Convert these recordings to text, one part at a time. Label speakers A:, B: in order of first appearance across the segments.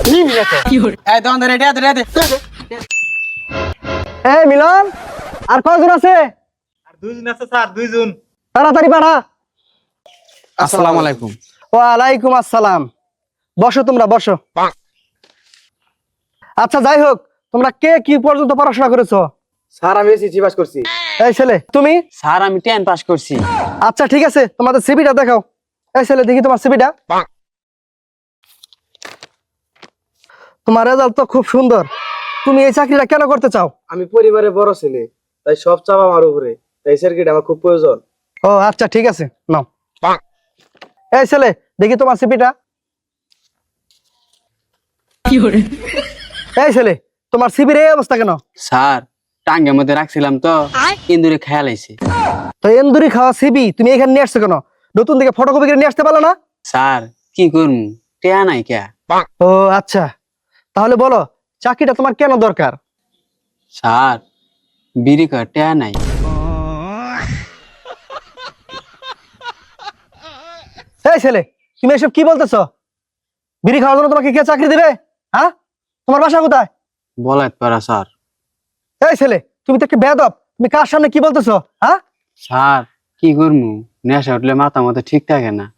A: এই মিলন আর কয়জন আছে?
B: দুইজন আছে স্যার, দুইজন।
A: তাড়াতাড়ি পাঠা।
C: আসসালামু আলাইকুম।
A: ওয়ালাইকুম আসসালাম। বসো, তোমরা বসো। আচ্ছা, যাই হোক, তোমরা কে কি পর্যন্ত পড়াশোনা করেছো?
C: স্যার আমি এসএসসি পাস করছি।
A: এই ছেলে, তুমি?
D: স্যার আমি 10 পাস করছি।
A: আচ্ছা ঠিক আছে, তোমাদের সিভিটা দেখাও। এই ছেলে, দেখি তোমার সিভিটা। তোমার রেজাল্ট তো খুব সুন্দর। তুমি এই চাকরিটা কেন করতে চাও?
C: আমি পরিবারের বড় ছেলে, তাই সব চাপ আমার উপরে, তাই সার্কিট আমার খুব প্রয়োজন।
A: ও আচ্ছা ঠিক আছে, নাও। এই ছেলে, দেখি তোমার সিভিটা। এই ছেলে, তোমার সিভির এই অবস্থা কেন?
D: স্যার টাঙ্গের মধ্যে রাখছিলাম তো ইন্দুরে খেয়াল আইছে।
A: তো এন্দুরি খাওয়া সিবি তুমি এখানে নিয়ে আসছো কেন? নতুন দিকে ফটোকপি করে নিয়ে আসতে পারলো না?
D: স্যার কি করমু, টেয়া নাই কে।
A: ও আচ্ছা, তাহলে বলো চাকরিটা তোমার কেন দরকার?
D: স্যার বিড়ি কর টেয়া নাই।
A: এই ছেলে, তুমি এসব কি বলতেছো? বিড়ি খাওয়ার জন্য তোমাকে কে চাকরি দিবে? হ্যাঁ, তোমার বাসা কোথায়?
D: বলাইত পারা স্যার।
A: এই ছেলে, তুমি তো একটা বেয়াদব। তুমি কার সামনে কি বলতেছো? হ্যাঁ,
D: স্যার কি করমু, নেশা উঠলে মাথা মতো ঠিক থাকে না।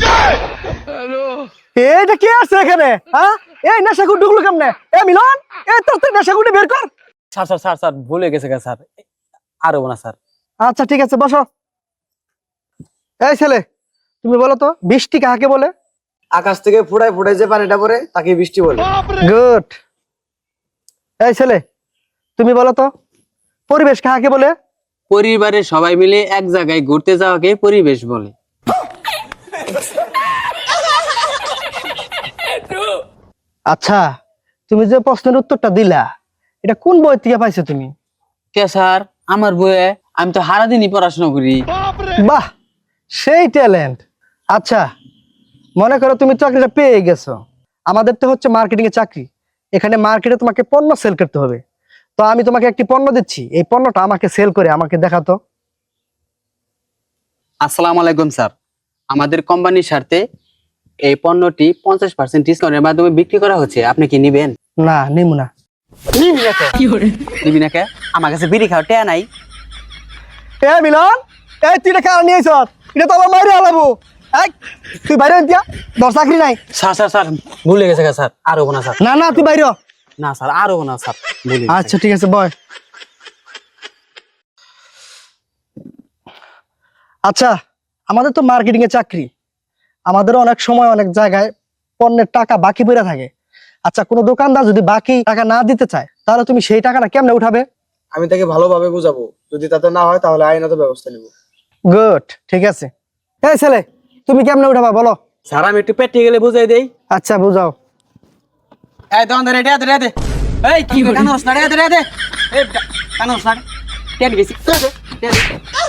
A: এইটা কে আছে এখানে? হ্যাঁ, এই নেশাগুলো ঢুকলো কেমনে? এ মিলন, এই তোর নেশাগুলো বের কর।
D: স্যার স্যার স্যার স্যার ভুলে গেছে স্যার, আর হবো না স্যার।
A: আচ্ছা ঠিক আছে, বসো। এই ছেলে, তুমি বলো তো বৃষ্টি কাকে বলে?
C: আকাশ থেকে ফুটায় ফুটায় যে পানিটা পড়ে তাকে বৃষ্টি বলে।
A: গুড। এই ছেলে, তুমি বলো তো পরিবেশ কাকে বলে?
D: পরিবারের সবাই মিলে এক জায়গায় ঘুরতে যাওয়াকে পরিবেশ বলে।
A: আচ্ছা, তুমি যে প্রশ্নের উত্তরটা দিলা, এটা কোন বই থেকে পাইছো তুমি?
D: কে স্যার, আমার বইয়ে? আমি তো সারাদিনই পড়াশোনা করি।
A: বাহ, সেই ট্যালেন্ট। আচ্ছা, মনে করো তুমি চাকরিটা পেয়ে গেছো। আমাদের তো হচ্ছে মার্কেটিং এর চাকরি। এখানে মার্কেটে তোমাকে পণ্য সেল করতে হবে। তো আমি তোমাকে একটি পণ্য দিচ্ছি, এই পণ্যটা আমাকে সেল করে আমাকে দেখাতো।
D: আসসালামু আলাইকুম স্যার, আমাদের কোম্পানির স্বার্থে এই পণ্যটি 50% ডিসকাউন্টের মাধ্যমে বিক্রি করা হচ্ছে, আপনি কি নিবেন?
A: না, নিমু না।
D: নিবি না কে? আমার কাছে বিড়ি খাওয়া টেয়া নাই।
A: এ মিলন, এই তুই এটা কার নিয়ে আইছ? এটা তো আমার মাইরে আলাবো। এই তুই বাইরে দিয়া, তোর চাকরি নাই।
D: স্যার স্যার স্যার ভুলে গেছে স্যার, আর হবো না স্যার।
A: না না, তুই বাইরে হ।
D: না স্যার, আর হবো না স্যার, ভুলে গেছে।
A: আচ্ছা ঠিক আছে, বয়। আচ্ছা, আমাদের তো মার্কেটিং এর চাকরি। আমাদের অনেক সময় অনেক জায়গায় পণ্যের টাকা বাকি পড়ে থাকে। আচ্ছা, কোনো দোকানদার যদি বাকি টাকা না দিতে চায়, তাহলে তুমি সেই টাকাটা কেমনে উঠাবে?
C: আমি তাকে ভালোভাবে বুঝাবো, যদি তাতে না হয় তাহলে আইনত ব্যবস্থা নিব।
A: গুড, ঠিক আছে। এই ছেলে, তুমি কেমনে উঠাবা বলো?
D: স্যার আমি একটু পেটে গেলে বুঝাই দেই।
A: আচ্ছা, বুঝাও।
D: এই দন রে রে রে, এই কি কানোস না রে রে রে, এই কানোস না টেন গেছি।